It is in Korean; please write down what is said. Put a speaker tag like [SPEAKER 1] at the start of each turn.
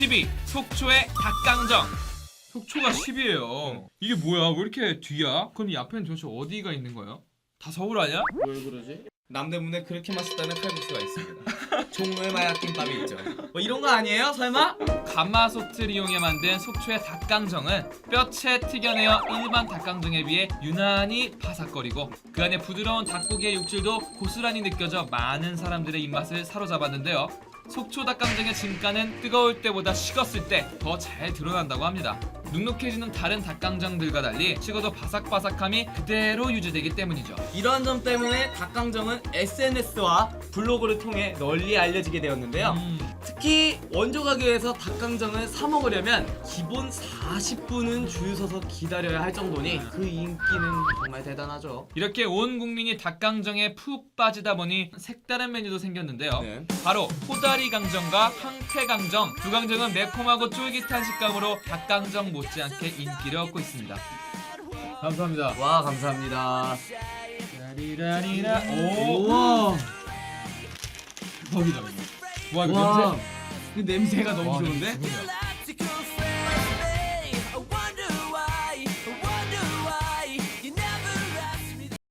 [SPEAKER 1] 10위 속초의 닭강정. 속초가 10위예요. 이게 뭐야? 왜 이렇게 뒤야? 그럼 이 앞에는 도대체 어디가 있는 거예요? 다 서울 아니야?
[SPEAKER 2] 왜 그러지? 남대문에 그렇게 맛있다는 칼국수가 있습니다. 종로에 마약김밥이 있죠. 뭐 이런 거 아니에요? 설마?
[SPEAKER 1] 가마솥을 이용해 만든 속초의 닭강정은 뼈채 튀겨내어 일반 닭강정에 비해 유난히 바삭거리고 그 안에 부드러운 닭고기의 육질도 고스란히 느껴져 많은 사람들의 입맛을 사로잡았는데요. 속초 닭강정의 진가는 뜨거울 때보다 식었을 때 더 잘 드러난다고 합니다. 눅눅해지는 다른 닭강정들과 달리 식어도 바삭바삭함이 그대로 유지되기 때문이죠.
[SPEAKER 2] 이러한 점 때문에 닭강정은 SNS와 블로그를 통해 널리 알려지게 되었는데요. 특히 원조 가게에서 닭강정을 사 먹으려면 기본 40분은 줄 서서 기다려야 할 정도니 그 인기는 정말 대단하죠.
[SPEAKER 1] 이렇게 온 국민이 닭강정에 푹 빠지다 보니 색다른 메뉴도 생겼는데요.
[SPEAKER 2] 네.
[SPEAKER 1] 바로 호다리 강정과 황태 강정. 두 강정은 매콤하고 쫄깃한 식감으로 닭강정 못지않게 인기를 얻고 있습니다. 감사합니다.
[SPEAKER 2] 와, 감사합니다.
[SPEAKER 1] 라리라리라. 오.
[SPEAKER 2] 우와.
[SPEAKER 1] 거기다. 와 이거
[SPEAKER 2] 와.
[SPEAKER 1] 냄새.
[SPEAKER 2] 그 냄새가 너무
[SPEAKER 1] 와,
[SPEAKER 2] 좋은데?
[SPEAKER 1] 냄새 죽이네.